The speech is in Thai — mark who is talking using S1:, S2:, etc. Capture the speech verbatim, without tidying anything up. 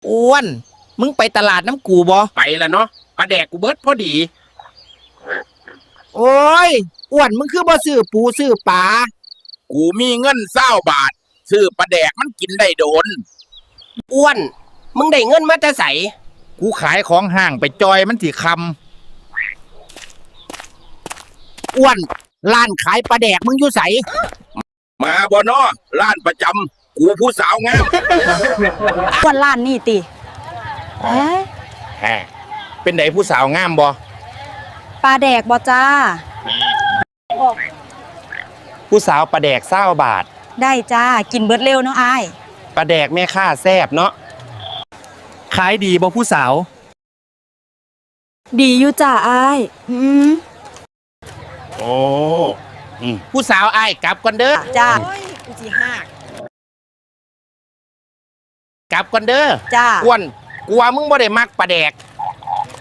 S1: อ้วนมึงไปตลาดน้ำกูบ่
S2: ไปแล้วเนาะปลาแดกกูเบิดพอดี
S1: โอ้ยอ้วนมึงคือบ่ซื้อปูซื้อปลา
S2: กูมีเงินเศร้าบาทซื้อปลาแดกมันกินได้โดน
S3: อ้วนมึงได้เงินมาแต่ไส
S1: กูขายของห้างไปจอยมันสิคำอ้วนร้านขายปลาแดกมึงอยู่ไส
S2: มาบ่เนาะร้านประจำกูผู้สาวงาม
S4: อ้วนร้านนี่ติเอ๊ะ
S1: แฮเป็นไดผู้สาวงามบ่
S4: ปลาแดกบ่จ้า
S1: ผู้สาวปลาแดกเศร้าบาท
S4: ได้จ้ากินเบิดเร็วเนาะอ้าย
S1: ปลาแดกแม่ค่าแซ่บเนาะขายดีบ่ผู้สาว
S4: ดีอยู่จ้าอ้ายอืม
S1: โอ้ผู้สาวอ้ายกลับก่อนเด้อ
S4: จ้ากูสิฮัก
S1: กลับก่อนเด้อ
S4: จ้า
S1: อ้วนกลัวมึงบ่ได้มักปลาแดก